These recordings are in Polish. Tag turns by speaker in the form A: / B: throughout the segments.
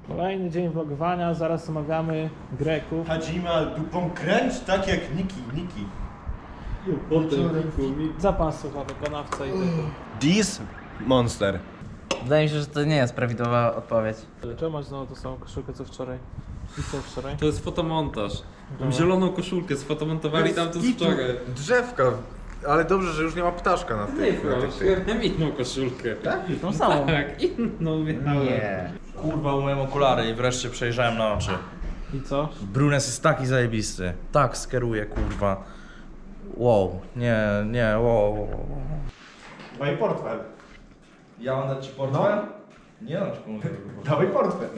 A: Kolejny dzień vlogowania, zaraz omawiamy Greków.
B: Hadzima dupą kręć tak jak Niki.
A: Zapasuwa wykonawca i tego.
B: This monster.
C: Wydaje mi się, że to nie jest prawidłowa odpowiedź.
A: Czemu masz znowu tą samą koszulkę co wczoraj? I co wczoraj?
D: To jest fotomontaż. Mam zieloną koszulkę, sfotomontowali tam to wczoraj.
E: Drzewka, ale dobrze, że już nie ma ptaszka na tych.
D: Ja mam inną koszulkę. Tak?
C: Tą samą.
D: Tak, inną miałem.
C: Nie.
F: Kurwa, umyłem okulary i wreszcie przejrzałem na oczy.
A: I co?
F: Brunes jest taki zajebisty. Tak skeruje, kurwa. Wow, nie, wow.
B: No i portfel.
F: Ja mam dać ci portfel? Nie dam ci pomóc.
B: Dawaj portfel.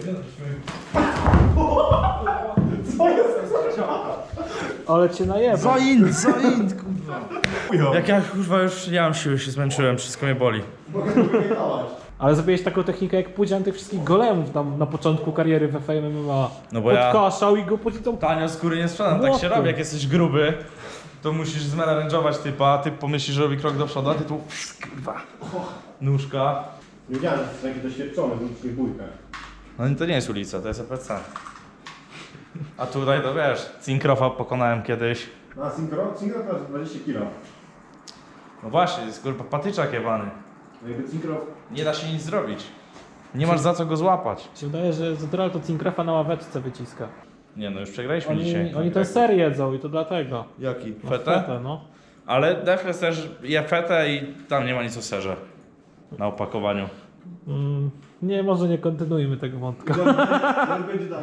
A: Ale cię najeba.
F: Zaint, kurwa. Jak ja kurwa już nie mam siły, się zmęczyłem, wszystko mnie boli.
A: Ale zrobiłeś taką technikę jak Pudzian tych wszystkich golemów tam na początku kariery w Fame MMA.
F: No bo ja
A: Podkaszał i go później tą...
F: tanio skóry nie sprzedam, tak się
A: Młotem.
F: robi, jak jesteś gruby. To musisz zmenażować typa, a typ pomyśli, że robi krok do przodu, a ty tu kurwa. Nóżka.
B: Nie wiedziałem, że jest taki doświadczony w ludzkich bójkach.
F: No i to nie jest ulica, to jest EPC. A tutaj to wiesz, Cinkrofa pokonałem kiedyś.
B: No a Synchro to jest 20 kg.
F: No właśnie, jest kurwa patyczak jebany.
B: No jakby Synchro...
F: Nie da się nic zrobić. Nie masz za co go złapać.
A: Mi się wydaje, że Zodral to Cinkrofa na ławeczce wyciska.
F: Nie no, już przegraliśmy dzisiaj.
A: Oni tę serię jedzą i to dlatego.
F: Jaki?
A: No,
F: Fetę?
A: no.
F: Ale Defles też je fetę i tam nie ma nic o serze. Na opakowaniu.
A: Nie, może nie kontynuujmy tego wątka.
B: Ale będzie tak.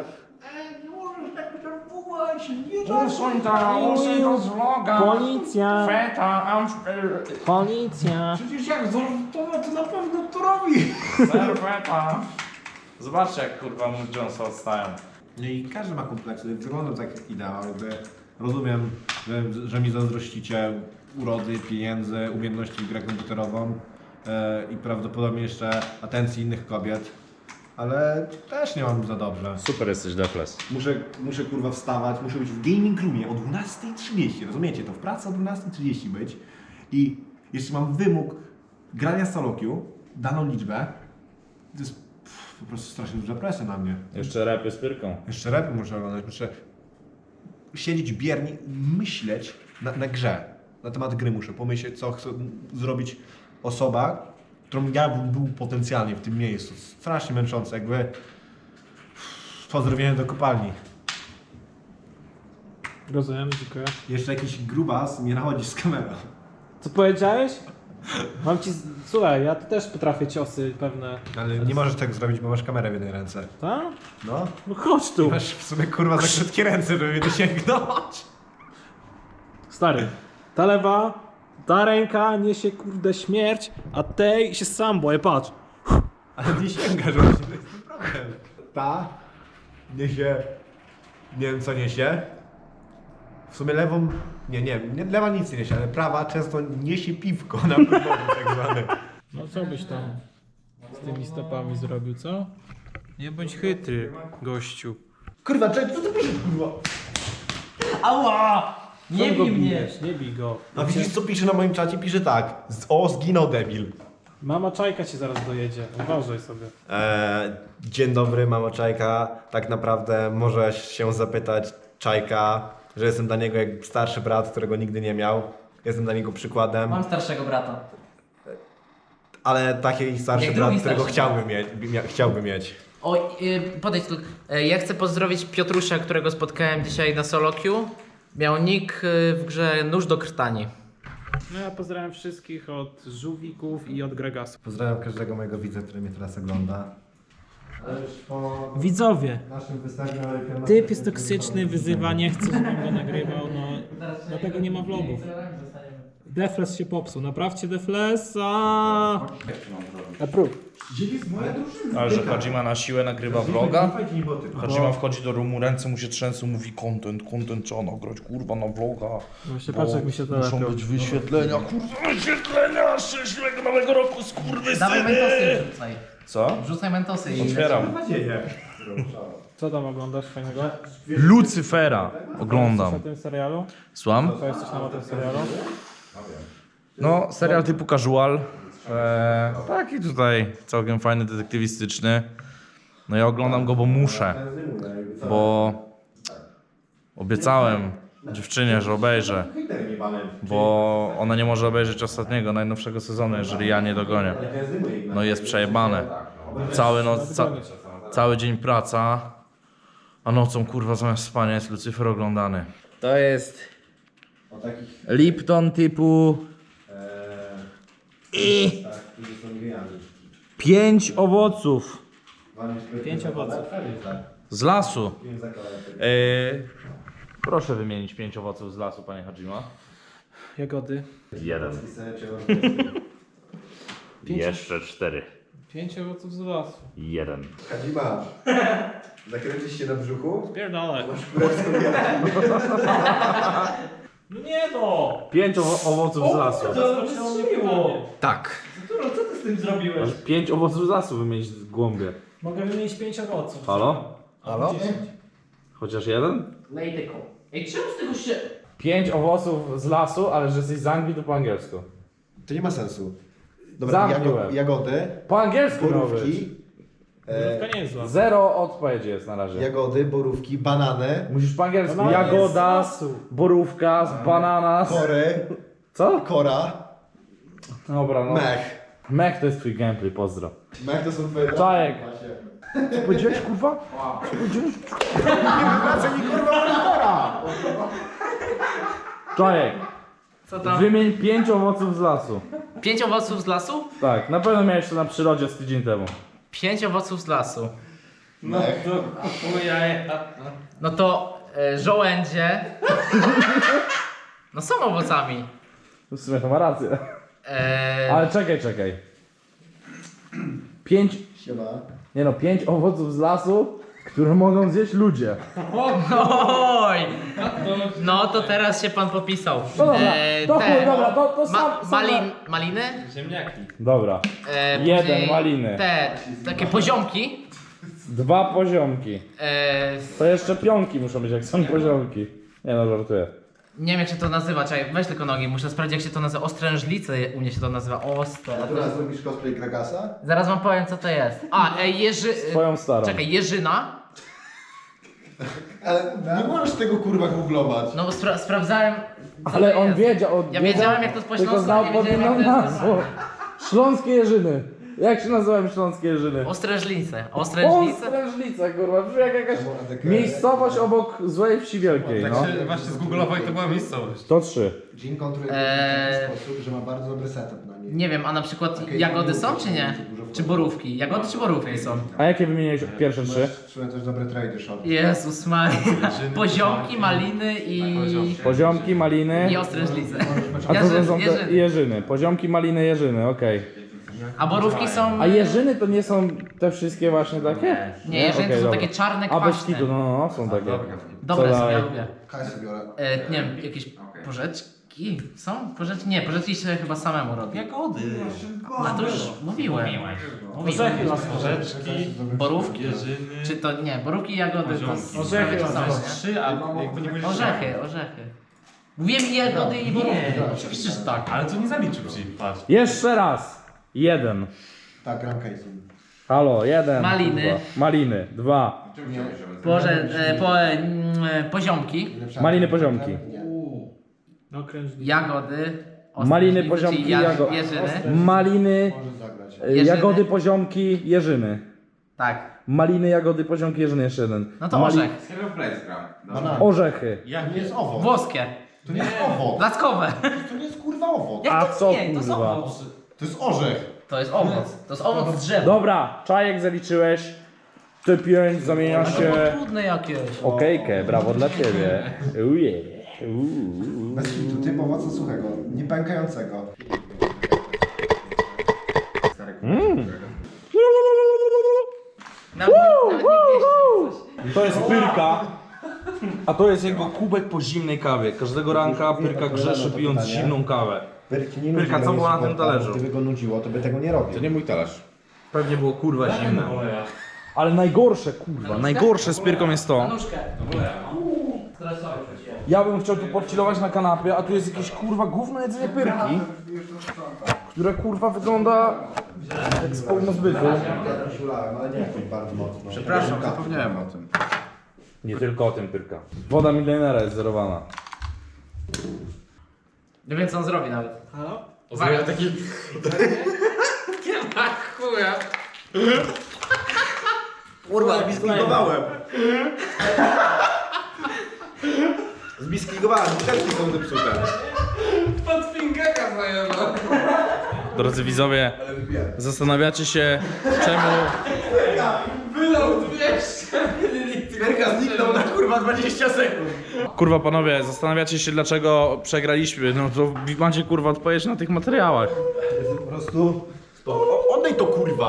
A: Policja!
F: Feta,
A: Policja!
F: przecież jak zortowe to na pewno to robi. Feta. Zobaczcie jak kurwa mój Jonesa odstają.
B: No i każdy ma kompleksy, wyglądam tak jak ideał, jakby rozumiem, że mi zazdrościcie urody, pieniędzy, umiejętności w grę komputerową i prawdopodobnie jeszcze atencji innych kobiet, ale też nie mam za dobrze.
F: Super jesteś Defles.
B: Muszę kurwa wstawać, muszę być w gaming roomie o 12:30, rozumiecie? To w pracy o 12:30 być i jeszcze mam wymóg grania solo queue, daną liczbę, to jest po prostu strasznie duża presja na mnie.
F: Jeszcze rapy z pyrką.
B: Jeszcze repy muszę oglądać, muszę siedzieć biernie, myśleć na grze. Na temat gry muszę pomyśleć, co chce zrobić osoba, którą ja bym był potencjalnie w tym miejscu. Strasznie męczące, jakby pozdrowienie do kopalni.
A: Rozumiem, dziękuję.
B: Jeszcze jakiś grubas mnie nachodzi z kamerą.
A: Co powiedziałeś? Mam ci... Słuchaj, ja tu też potrafię ciosy pewne.
B: Ale nie możesz tak zrobić, bo masz kamerę w jednej ręce.
A: Tak?
B: No.
A: No chodź tu.
B: Masz w sumie kurwa za krótkie ręce, żeby mnie dosięgnąć.
A: Stary, ta lewa, ta ręka niesie kurde śmierć, a tej się sam boję, patrz.
B: Ale nie sięgasz właśnie, to jest ten problem. Ta niesie, nie wiem co niesie. W sumie lewą, nie, lewa nic nie niesie, ale prawa często niesie piwko na podwórzu tak zwane.
A: No co byś tam z tymi stopami zrobił, co? Nie bądź chytry, gościu.
B: Kurwa, co ty piszesz, kurwa?
C: Ała! Nie
A: Czemu go
C: bij mnie!
A: bijesz? Nie bij go.
B: A widzisz co pisze na moim czacie? Pisze tak, zginął debil.
A: Mama Czajka cię zaraz dojedzie, uważaj sobie.
B: Dzień dobry, mamo Czajka. Tak naprawdę możesz się zapytać Czajka, że jestem dla niego jak starszy brat, którego nigdy nie miał. Jestem dla niego przykładem,
C: Mam starszego brata.
B: ale taki starszy
C: Jak
B: brat,
C: drugi
B: którego
C: starszy
B: chciałby mieć.
C: Oj, podejdź tu. Ja chcę pozdrowić Piotrusia, którego spotkałem dzisiaj na solo queue. Miał nick w grze Nóż do krtani.
A: No ja pozdrawiam wszystkich od żółwików i od gregasów.
B: Pozdrawiam każdego mojego widza, który mnie teraz ogląda. Ale już po
A: Widzowie,
B: naszym występie...
A: typ jest toksyczny, wyzywa, nie chce, żebym go nagrywał, no dlatego nie ma vlogów. Defles się popsuł, naprawcie Deflesa! Approve.
F: Ale że Hadzima na siłę nagrywa vloga?
B: Fajki boty.
F: Hadzima wchodzi do roomu, ręce mu się trzęsą, mówi content, trzeba nagrać, kurwa, na vloga.
A: Właśnie patrz jak mi się to
F: Muszą
A: lepiej.
F: być wyświetlenia, kurwa, wyświetlenia! Szczęśliwego nowego roku,
C: Dawaj
F: skurwysyny!
C: mentosy wrzucaj.
F: Co?
C: Wrzucaj mentosy i...
F: Otwieram.
A: Co tam oglądasz fajnego?
F: Lucyfera
A: Coś na
F: oglądam.
A: tym serialu?
F: Słucham?
A: To jest coś na tym serialu?
F: No, serial typu casual. Taki tutaj całkiem fajny, detektywistyczny. No ja oglądam go, bo muszę. Bo obiecałem dziewczynie, że obejrzę. Bo ona nie może obejrzeć ostatniego, najnowszego sezonu, jeżeli ja nie dogonię. No i jest przejebane. Cały dzień praca, a nocą kurwa zamiast spania jest Lucyfer oglądany. To jest Lipton typu i 5 owoców
A: 5 owoców.
F: z lasu. Proszę wymienić 5 owoców z lasu, panie Hadzima.
A: Jagody.
G: 1. Jeszcze 4.
A: 5 owoców z lasu.
G: 1.
E: Hadzima, zakręcisz się na brzuchu?
A: Pierdolę.
E: Masz królewską jadę.
A: No nie no!
F: 5 owoców z lasu.
A: To nie było.
C: Tak.
A: Arturo, co ty z tym zrobiłeś?
F: Masz 5 owoców z lasu wymienić w głąbie.
A: Mogę wymienić 5 owoców.
F: Halo?
A: Halo?
F: Chociaż jeden?
C: Lejdyką. Ej, czemu z tego się...
F: 5 owoców z lasu, ale że jesteś z Anglii, to po angielsku.
B: To nie ma sensu.
F: Zamknąłem.
B: Jagody,
F: Po angielsku miał być.
B: borówki,
A: Borówka nie jest z lasu.
F: 0 odpowiedzi jest na razie.
B: jagody, borówki, banany,
F: Musisz po angielsku.
A: Banana jest z
F: Jagoda,
A: lasu.
F: borówka, bananas.
B: kory,
F: Co?
B: kora,
F: Dobra, no.
B: mech.
F: Mech to jest twój gameplay, pozdro.
B: Mech to są twoje...
F: Czajek. Co powiedziałeś, kurwa? Co powiedziałeś? Czajek,
C: Co tam?
F: wymień 5 owoców z lasu.
C: 5 owoców z lasu?
F: Tak, na pewno miałeś to na przyrodzie z tydzień temu.
C: 5 owoców z lasu.
B: Mech.
C: No to żołędzie. No są owocami.
F: W sumie to ma rację.
C: E,
F: Ale czekaj. 5,
B: Siema.
F: 5 owoców z lasu, które mogą zjeść ludzie.
C: Oj! No to teraz się pan popisał.
F: No dobra, to chuj, dobra, to sam-
C: Maliny?
D: Ziemniaki.
F: Dobra,
C: Później
F: jeden maliny.
C: Te takie poziomki.
F: 2 poziomki. To jeszcze pionki muszą być, jak są poziomki. Nie no, żartuję.
C: Nie wiem jak się to nazywa, czekaj, weź tylko nogi, muszę sprawdzić jak się to nazywa. Ostrężlice u mnie się to nazywa.
B: A teraz zrobisz cosplay Kragasa?
C: Zaraz wam powiem co to jest. A,
F: Twoją starą.
C: Czekaj, jeżyna.
B: Ale nie możesz tego kurwa googlować.
C: No bo sprawdzałem. co
F: Ale
C: to
F: on
C: jest.
F: wiedział,
C: Ja wiedziałem jak to jest po
F: tylko
C: śląsku,
F: znał
C: ale nie wiedziałem
F: podwójną
C: jak to jest.
F: nazwę. Śląskie Jerzyny. Jak się nazywają śląskie Jerzyny?
C: Ostrężlice. Ostrężlice?
F: Ostrężlica, kurwa, brzmi jak jakaś miejscowość obok złej wsi wielkiej, no.
D: Tak się właśnie zgooglował i to była miejscowość.
F: To 3.
B: Jean kontruje w taki sposób, że ma bardzo dobry setup na niej.
C: Nie wiem, a na przykład jagody są czy nie? Czy borówki? Jagody czy borówki są?
F: A jakie wymieniłeś pierwsze 3?
B: Czułem też dobre trady short.
C: Jezus Maria. Poziomki, maliny i
F: Poziomki, maliny.
C: ostrężlice.
F: A co to są te
C: Jerzyny.
F: Jerzyny? Poziomki, maliny, jeżyny, okej.
C: A borówki są...
F: A jeżyny to nie są te wszystkie właśnie takie?
C: Nie, jeżyny to
F: Okej,
C: są
F: dobra.
C: takie czarne,
F: A bez
C: kwaśne.
F: kitu, no, są takie.
C: Dobre
F: Co
C: są,
F: dalej?
C: ja lubię.
B: Kasy biorę.
C: Nie wiem, jakieś porzeczki są? Porzeczki? Nie, porzeczki się chyba samemu robi.
D: Jagody.
C: A to już mówiłem.
A: Orzechy las
D: Porzeczki,
C: Borówki?
D: jeżyny.
C: Czy to nie? Borówki i jagody to
A: Orzechy
C: są,
A: las.
C: nie?
D: 3, a jakby nie powiedzieć.
C: Orzechy. Mówiłem jagody i borówki. Oczywiście, że tak.
D: Ale to nie zaliczył ci, patrz.
F: Jeszcze raz. 1.
B: Tak, gram Kaisun.
F: Halo, 1.
C: Maliny.
F: Kurwa. Maliny. 2.
C: Poziomki,
F: Maliny, poziomki.
B: Nie.
A: No krężnik.
C: jagody,
F: Maliny,
C: ostrężnice,
F: poziomki,
C: czyli jeżyny.
F: Maliny,
B: Możesz zagrać.
C: Jerzyny.
F: jagody, poziomki, jeżyny.
C: Tak.
F: Maliny, jagody, poziomki, jeżyny, jeszcze jeden.
C: No to orzech.
B: Banan.
F: Orzechy.
B: To nie jest owoc.
C: Włoskie.
B: To nie jest owoc.
C: Plackowe.
B: To nie jest kurwa owoc.
C: Jak
F: A
C: to
F: co,
C: nie? To jest
F: kurwa?
C: owoc.
B: To jest orzech.
C: To jest owoc. To jest owoc z drzewa.
F: Dobra, czajek zaliczyłeś. Te 5 zamienia
C: To
F: się.
C: było trudne jakieś.
F: Okejkę, brawo dla ciebie. Uje.
B: Bez kitu, typ owoca suchego, nie pękającego.
C: Nawet nie wiesz,
F: To jest pyrka. A to jest jego kubek po zimnej kawie. Każdego ranka pyrka grzeszy pijąc zimną kawę. Pyrka, co było na tym talerzu?
B: Gdyby go nudziło, to by tego nie robił.
E: Nie mój talerz.
F: Pewnie było kurwa zimne. Ale najgorsze kurwa, najgorsze z pyrką jest to.
C: nóżkę.
F: Ja bym chciał tu podchillować na kanapie, a tu jest jakieś kurwa gówno jedzenie pyrki, które kurwa wygląda jak z zbytu.
B: Przepraszam, zapomniałem o tym.
F: Nie tylko o tym Pyrka. Woda milionera jest zerowana.
C: Nie wiem co on zrobi nawet.
A: Halo?
C: Uwaga, taki... Nie ma chuja.
B: Kurwa, zbiskligowałem. Zbiskligowałem, butelki są zepsute.
C: Pod fingera zajęło.
F: Drodzy widzowie, zastanawiacie się czemu...
C: Wylał 200 ml.
B: Pyrka zniknął na kurwa 20 sekund.
F: Kurwa panowie, zastanawiacie się dlaczego przegraliśmy. No to macie kurwa odpowiedź na tych materiałach.
B: Po prostu... Oddaj to kurwa!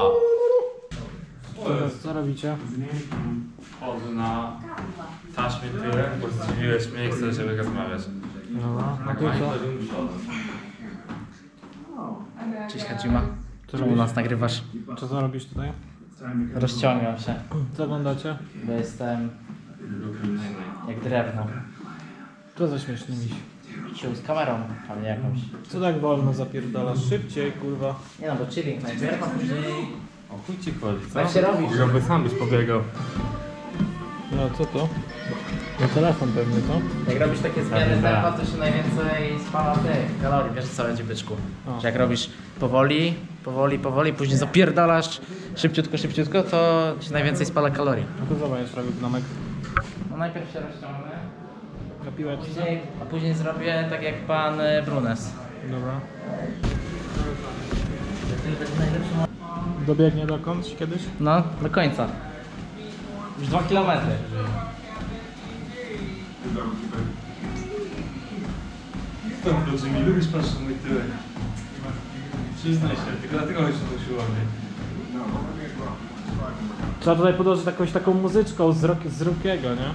A: Co robicie?
D: Chodzę na taśmie tyle, bo zdziwiłeś mnie i chcę żeby rozmawiać.
A: Dobra, no to co?
C: Cześć Hadzima. Czemu nas nagrywasz?
A: Co robisz tutaj?
C: Rozciągam się,
A: Co oglądacie?
C: bo jestem jak drewno.
A: Co za śmieszny miś?
C: Sił z kamerą, pewnie jakąś.
A: Co tak wolno zapierdalasz? Szybciej, kurwa.
C: Nie no, bo chilling najpierw, a później...
D: O chuj ci chodzi, co?
C: Jak się robisz?
D: Jakby sam byś pobiegał.
A: No co to? No telefon pewnie, co?
C: Jak robisz takie zmiany tempa, to się najwięcej spala tych kalorii. Wiesz co będzie, byczku?
A: O.
C: Że jak robisz powoli, później zapierdalasz szybciutko, to się najwięcej spala kalorii.
A: No to zobacz, robię gnomek
C: No najpierw się rozciągnę,
A: na piłeczce.
C: a później zrobię tak jak pan Brunes.
A: Dobra. Dobiegnie dokądś kiedyś?
C: No, do końca. Już 2 km.
D: Dobrze, mi lubisz patrzeć na mój tyłek. Przyznaj się, tylko dlatego chodź na siłownię.
A: Trzeba tutaj podłożyć jakąś taką muzyczką z Rockiego, nie?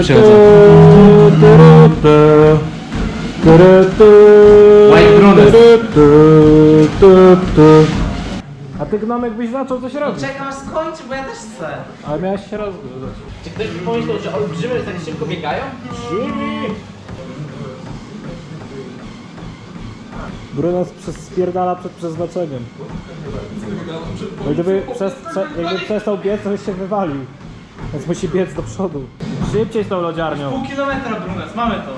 C: White Brunes.
A: A ty gnomek byś zaczął coś robić.
C: Czekam aż skończy, bo ja też chcę.
A: Ale miałeś się rozgryzać.
C: Czy ktoś by pomyślał, że olbrzymy tak szybko biegają?
A: Brunos spierdala przed przeznaczeniem. Bo gdyby jakby przestał biec, to by się wywalił. Więc musi biec do przodu. Szybciej z tą lodziarnią.
C: Pół kilometra, Brunes, mamy to.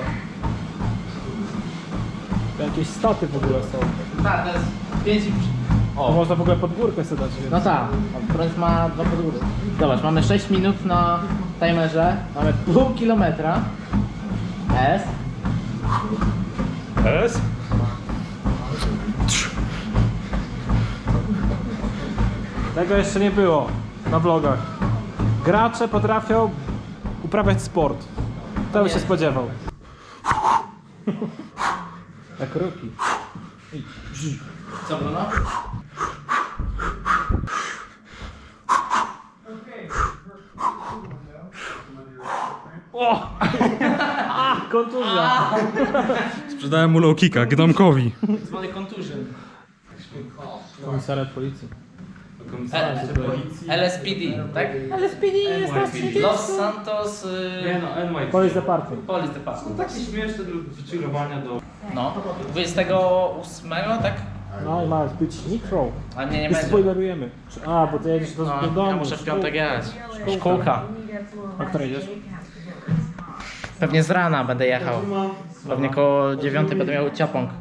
A: To jakieś staty w ogóle są.
C: Tak, to jest 5 i...
A: To można w ogóle pod górkę sobie dać.
C: No tak, Brunes ma 2 podgóry. Zobacz, mamy 6 minut na timerze, mamy pół kilometra. S.
F: S?
A: Tego jeszcze nie było na vlogach. Gracze potrafią uprawiać sport. To bym się spodziewał. Jak Rocky.
C: Co, Bruno?
A: Kontuzja.
F: Sprzedałem mu low kicka, gnomkowi.
C: Zwany contusion.
A: Komisariat policji.
C: LSPD, tak? LSPD jest Los Santos...
D: Nie no, NY.
A: Police Department.
C: Police Department.
D: Takie śmieszne do wychillowania do...
C: No, 28, tak?
A: No i ma być Nitro.
C: A nie, nie
A: I
C: będzie.
A: spoilerujemy. A, bo ty jedziesz do
C: No,
A: domu.
C: ja muszę w piątek jechać. Szkółka.
A: A której jedziesz?
C: Pewnie z rana będę jechał. Pewnie koło 9 będę miał ciapąg.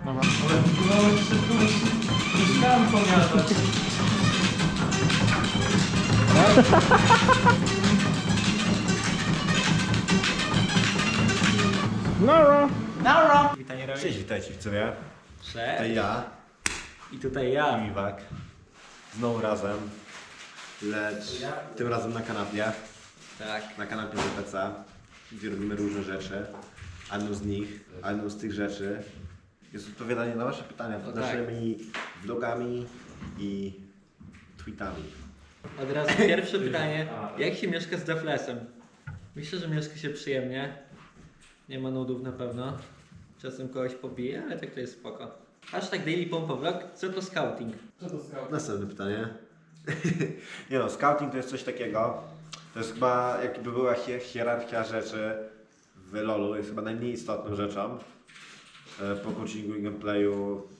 A: Nara.
C: Nara!
B: Cześć, witajcie widzowie.
H: Cześć.
B: Tutaj ja
H: I tutaj ja.
B: i Miwak. Znowu razem. Lecz tym razem na kanapie.
H: Tak.
B: Na kanapie ZPC, gdzie robimy różne rzeczy. A jedną z tych rzeczy jest odpowiadanie na wasze pytania pod naszymi vlogami i tweetami.
H: Od razu pierwsze pytanie. Jak się mieszka z Deflesem? Myślę, że mieszka się przyjemnie. Nie ma nudów na pewno. Czasem kogoś pobije, ale tak to jest spoko. Hashtag Daily Pompa Vlog. Co to scouting?
B: Następne pytanie. Nie no, scouting to jest coś takiego. To jest chyba, jakby była hierarchia rzeczy w LoLu, jest chyba najmniej istotną rzeczą po coachingu i gameplayu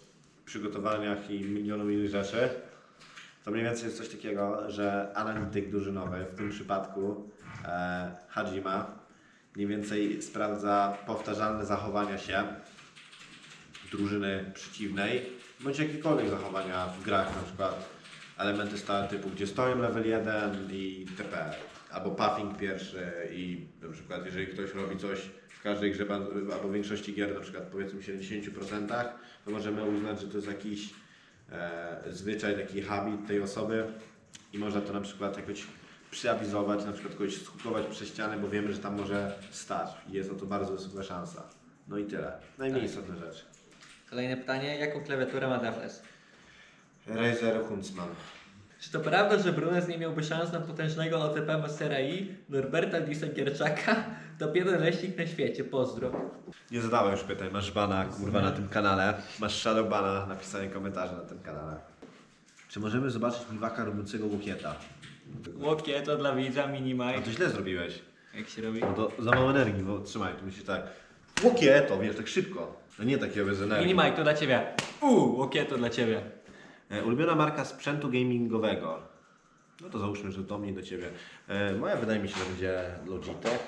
B: przygotowaniach i milionów innych rzeczy, to mniej więcej jest coś takiego, że analityk drużynowy, w tym przypadku Hajima, mniej więcej sprawdza powtarzalne zachowania się drużyny przeciwnej, bądź jakiekolwiek zachowania w grach, na przykład elementy stałe typu, gdzie stoją level 1 i TP, albo puffing pierwszy i na przykład jeżeli ktoś robi coś w każdej grze, albo w większości gier, na przykład powiedzmy 70%, to możemy uznać, że to jest jakiś zwyczaj, taki habit tej osoby i można to na przykład jakoś przyawizować, na przykład kogoś skukować przez ścianę, bo wiemy, że tam może stać i jest na to bardzo wysoka szansa. No i tyle. Najmniej istotne rzeczy.
H: Kolejne pytanie, jaką klawiaturę ma Defles?
B: Razer Huntsman.
H: Czy to prawda, że Brunes nie miałby szans na potężnego OTP Mastera I, Norberta Disa-Gierczaka? Top 1 leśnik na świecie, pozdro.
B: Nie zadawaj już pytań, masz bana kurwa na tym kanale, masz shadow bana na pisanie komentarzy na tym kanale. Czy możemy zobaczyć Miwaka robiącego łokieta?
H: Łokie to dla widza,
B: A
H: minimaj.
B: to źle zrobiłeś.
H: Jak się robi?
B: No to za mało energii, bo trzymaj, tu musisz tak. Łokieto, wiesz, tak szybko. No nie takiego bez energii.
H: Minimaj to dla ciebie. Łokie to dla ciebie.
B: Ulubiona marka sprzętu gamingowego. No to załóżmy, że do mnie, do ciebie. Moja wydaje mi się, że będzie Logitech.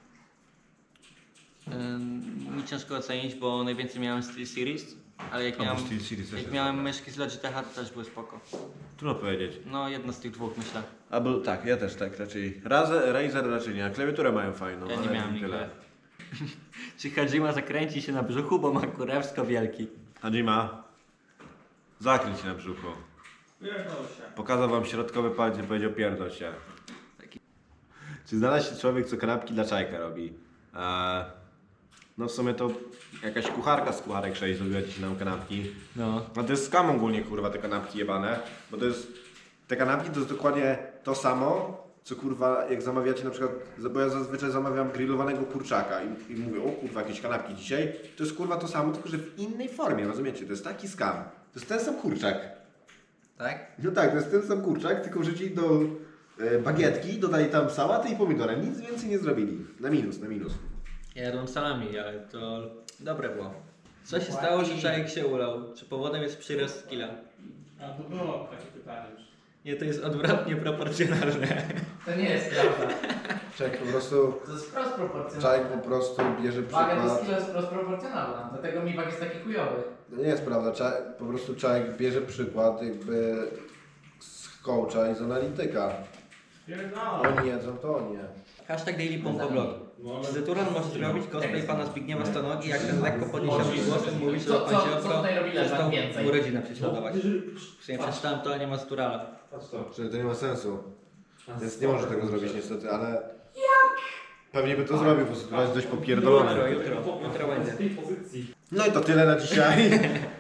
H: Mi ciężko ocenić, bo najwięcej miałem SteelSeries, ale jak miałem,
B: SteelSeries też
H: jak
B: jest
H: miałem
B: dobra.
H: myszki z Logitecha, to też były spoko.
B: Trudno powiedzieć.
H: No jedna z tych dwóch myślę.
B: Albo tak, ja też tak raczej. Razer raczej nie, a klawiaturę mają fajną.
H: Ja nie
B: ale
H: miałem nigdy.
B: tyle.
H: Czy Hajima zakręci się na brzuchu, bo ma kurewsko wielki?
B: Hajima, zakręć się na brzuchu. Pokazał wam środkowy palec i powiedział pierdol się. Czy znalazł się człowiek, co kanapki dla czajka robi? No w sumie to jakaś kucharka z Kucharek 6 zrobiła ci nam kanapki.
H: No.
B: No to jest skam ogólnie kurwa te kanapki jebane, bo to jest... Te kanapki to jest dokładnie to samo, co kurwa jak zamawiacie na przykład, bo ja zazwyczaj zamawiam grillowanego kurczaka i mówię, o kurwa jakieś kanapki dzisiaj, to jest kurwa to samo, tylko że w innej formie, rozumiecie? To jest taki skam. To jest ten sam kurczak.
H: Tak?
B: No tak, to jest ten sam kurczak, tylko wrzucili do bagietki, dodali tam sałatę i pomidora. Nic więcej nie zrobili. Na minus, na minus.
H: Ja jadłem salami, ale to dobre było. Co się stało, że czajek się ulał? Czy powodem jest przyrost skilla?
A: A to było takie pytanie już.
H: Nie, to jest odwrotnie proporcjonalne.
C: To nie jest prawda.
E: Człowiek po prostu,
C: To jest wprost proporcjonalne.
E: człowiek po prostu bierze
C: Waga do
E: przykład.
C: skilla jest wprost proporcjonalna, dlatego mi wag jest taki chujowy.
E: To nie jest prawda, po prostu człowiek bierze przykład jakby z coacha i z analityka. Oni jedzą, to oni nie.
H: Hashtag Daily Pompa Vlog. Czy Zeturan może zrobić cosplay pana Zbigniewa Stanogi, jak ten lekko podniesionym głosem mówi, że
C: Co
H: Pan
C: tutaj robi Leszek
H: przestał
C: więcej?
H: urodzinę prześladować? W sumie przeczytałem to, ale nie ma Zeturala.
B: Że to nie ma sensu. Więc nie może tego zrobić niestety, ale... Pewnie by to zrobił, bo to jest dość popierdolone.
H: Jutro będzie.
B: No i to tyle na dzisiaj.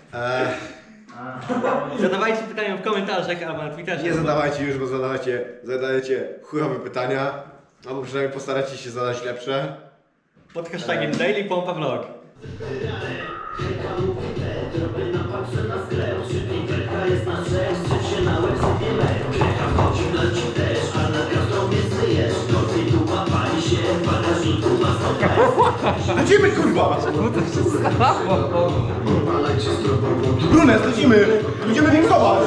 H: Zadawajcie pytania w komentarzach albo na Twitterze.
B: Nie zadawajcie już, bo zadajecie chujowe pytania. Albo przynajmniej postaracie się zadać lepsze.
H: Pod hashtagiem Daily Pompa Vlog.
B: Lecimy kurwa! Brunes, lecimy! Będziemy winkować!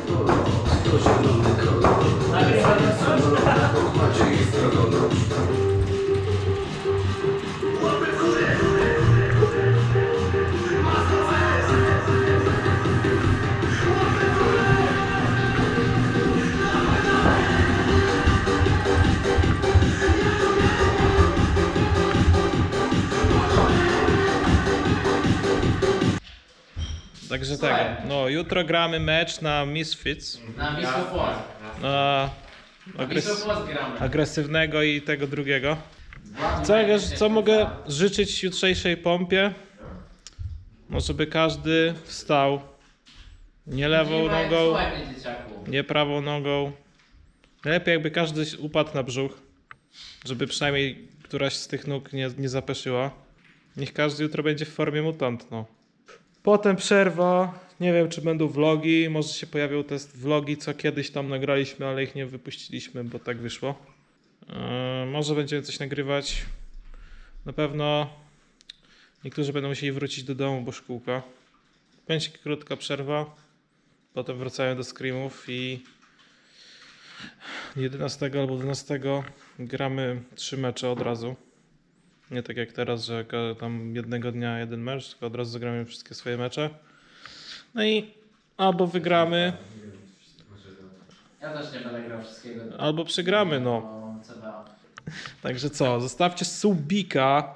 A: Także tak, no jutro gramy mecz na Misfits.
C: Na Wisło Płock.
A: Na
C: Na Wisło Płock gramy.
A: agresywnego i tego drugiego. Co mogę życzyć jutrzejszej pompie? No żeby każdy wstał. Nie lewą nogą,
C: Słuchaj mnie, dzieciaku.
A: nie prawą nogą. Najlepiej jakby każdy upadł na brzuch. Żeby przynajmniej któraś z tych nóg nie zapeszyła. Niech każdy jutro będzie w formie mutant, no. Potem przerwa. Nie wiem, czy będą vlogi. Może się pojawią te vlogi, co kiedyś tam nagraliśmy, ale ich nie wypuściliśmy, bo tak wyszło. Może będziemy coś nagrywać. Na pewno niektórzy będą musieli wrócić do domu, bo szkółka. będzie krótka przerwa. Potem wracają do screamów i 11 albo 12 gramy 3 mecze od razu. Nie tak jak teraz, że tam jednego dnia jeden mecz, tylko od razu zagramy wszystkie swoje mecze. No i albo wygramy,
C: Ja też nie będę grał wszystkiego.
A: albo przegramy, no.
C: CBA.
A: Także co, zostawcie subika,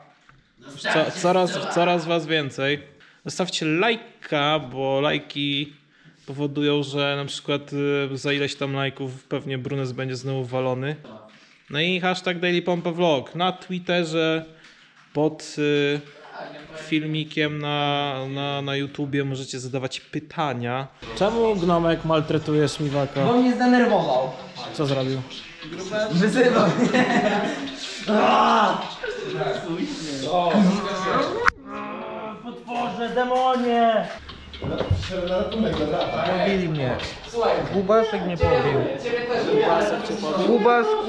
A: coraz was więcej. Zostawcie lajka, bo lajki powodują, że na przykład za ileś tam lajków pewnie Brunes będzie znowu walony. No i hashtag DailyPompaVlog na Twitterze, pod filmikiem na YouTubie możecie zadawać pytania. Czemu Gnomek maltretuje Śmiwaka?
C: Bo mnie zdenerwował.
A: Co zrobił?
C: Wyzywał.
I: Potworze, demonie! Pobili mnie.
C: Słuchaj,
I: Łubaszek mnie pobił.
C: ciebie też
I: Łubaszku!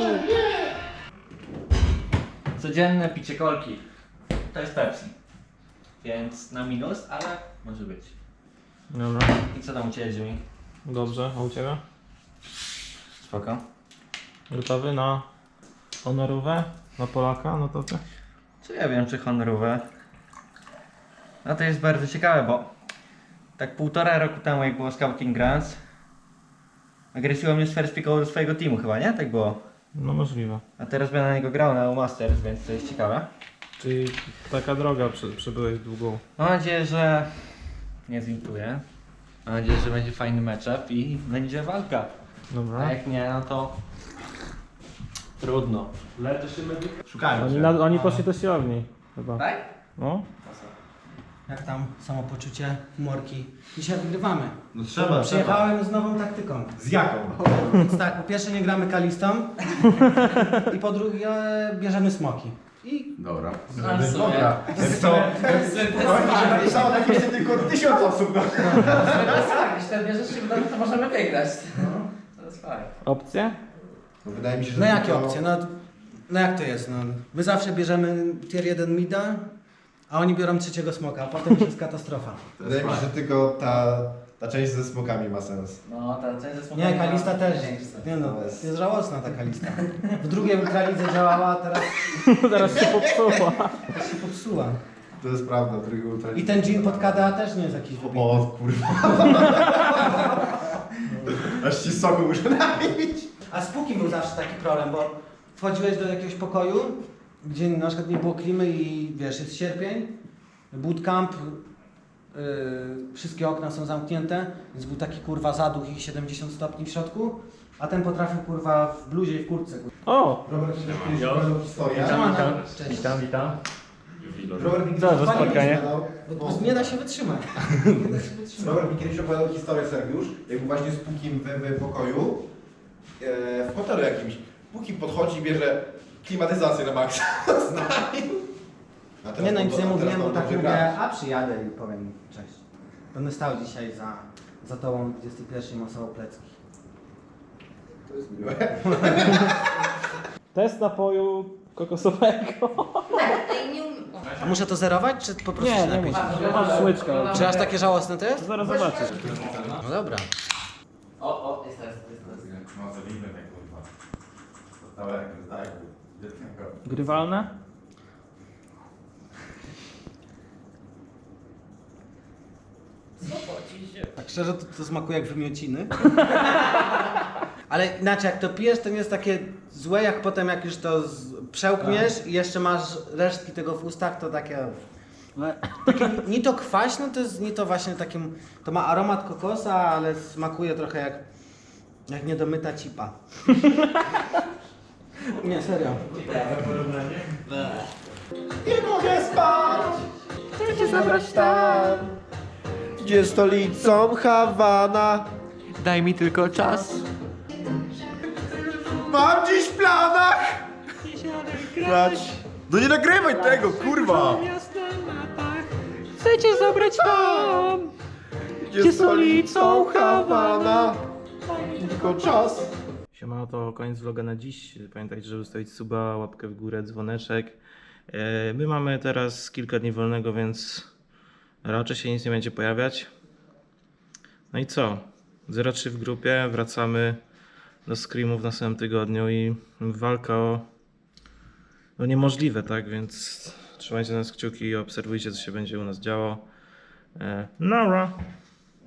H: Codzienne picie kolki. To jest Pepsi. Więc na minus, ale może być.
A: Dobra,
H: I co tam u Ciebie, Jimmy?
A: dobrze, a u Ciebie?
H: Spoko.
A: Gotowy na honorówę? Na Polaka? No to ty?
H: Czy ja wiem, czy honorowe? No to jest bardzo ciekawe, bo tak 1,5 roku temu, jak było Scouting Grants, agresyło mnie z first picku do swojego teamu chyba, nie? Tak było.
A: No możliwe.
H: A teraz będę na niego grał na Masters, więc to jest ciekawe.
A: Czyli taka droga przebyłeś długą.
H: Mam nadzieję, że nie zwintuję. Mam nadzieję, że będzie fajny matchup i będzie walka.
A: Dobra.
H: A jak nie, no to trudno.
B: Szukajmy cię.
A: Oni poszli do siłowni chyba.
H: Tak?
A: No?
I: Jak tam samopoczucie, humorki? Dzisiaj wygrywamy.
B: No trzeba.
I: Przyjechałem z nową taktyką.
B: Z jaką?
I: Więc tak, po pierwsze nie gramy kalistą i po drugie bierzemy smoki. I
E: Dobra.
B: Dobra. To napisało tak jeszcze tylko 1000 osób.
C: Tak, jeśli ten bierzesz się wydarzy, to możemy wygrać. To jest fajne.
A: Opcje?
E: No, wydaje mi się, że
I: no jakie
E: tylko-
I: opcje? No jak to jest? No, my zawsze bierzemy tier 1 mida, a oni biorą trzeciego smoka, a potem już jest katastrofa.
E: Wydaje mi się, że tylko ta część ze smokami ma sens.
H: No, ta część ze smokami
I: Nie, kalista
H: ma
I: też.
H: większy sens.
I: Nie no, jest żałosna ta kalista. W drugiej ultralidze działała, a teraz
A: Zaraz się popsuła.
I: się popsuła.
E: To jest prawda, drugi ultra.
I: I ten jean pod KDA też nie jest jakiś wybitny.
E: O kurwa. Aż ci soku muszę napić.
I: A z Pukim był zawsze taki problem, bo wchodziłeś do jakiegoś pokoju, gdzie na przykład nie było klimy i wiesz, jest sierpień, bootcamp, wszystkie okna są zamknięte, więc był taki kurwa zaduch i 70 stopni w środku, a ten potrafił kurwa w bluzie i w kurtce.
A: O!
E: Robert, kiedyś opowiadał historię.
I: Cześć.
A: Witam.
E: Robert mi
A: Co za
E: kiedyś
A: spotkanie?
E: opowiadał-
I: Bo nie da się wytrzymać.
E: Robert mi kiedyś opowiadał historię, Sergiusz, jak był właśnie z Pukim w pokoju, w hotelu jakimś. Pukim podchodzi i bierze klimatyzację na maksa. A teraz
I: Nie no,
E: on
I: nic
E: do-
I: nie
E: a teraz
I: mówiłem, bo
E: on
I: tak
E: dobrze
I: mówię,
E: gra.
I: a przyjadę i powiem cześć. Będę stał dzisiaj za tobą 21 masowo plecki.
E: To jest miłe.
A: Test napoju kokosowego.
I: A muszę to zerować, czy po prostu się napić?
A: Masz łyczka.
I: Czy aż takie żałosne to jest?
A: Zaraz zobaczysz.
I: No dobra.
C: O, jest test.
E: No to widzę, kurwa. Dostałem tak, dziecko.
A: Grywalne?
I: Tak szczerze to smakuje jak wymiociny. Ale inaczej, jak to pijesz, to nie jest takie złe, jak potem jak już to przełkniesz i jeszcze masz resztki tego w ustach, to takie ni to kwaśne, to jest ni to właśnie takie, to ma aromat kokosa, ale smakuje trochę jak niedomyta cipa. Nie, serio.
E: Nie mogę spać! Chcę cię zabrać tam, gdzie stolicą Hawana.
H: Daj mi tylko czas.
E: Mam dziś w planach grać. No nie nagrywaj tego, kurwa!
H: Chcę cię zabrać tam.
E: Gdzie stolicą Hawana. Tylko czas.
A: Siemano, to koniec vloga na dziś. Pamiętajcie, żeby zostawić suba, łapkę w górę, dzwoneczek. My mamy teraz kilka dni wolnego, więc raczej się nic nie będzie pojawiać. No i co? 0-3 w grupie, wracamy do screamów w następnym tygodniu i walka o niemożliwe, tak? Więc trzymajcie nas kciuki i obserwujcie, co się będzie u nas działo. Nara!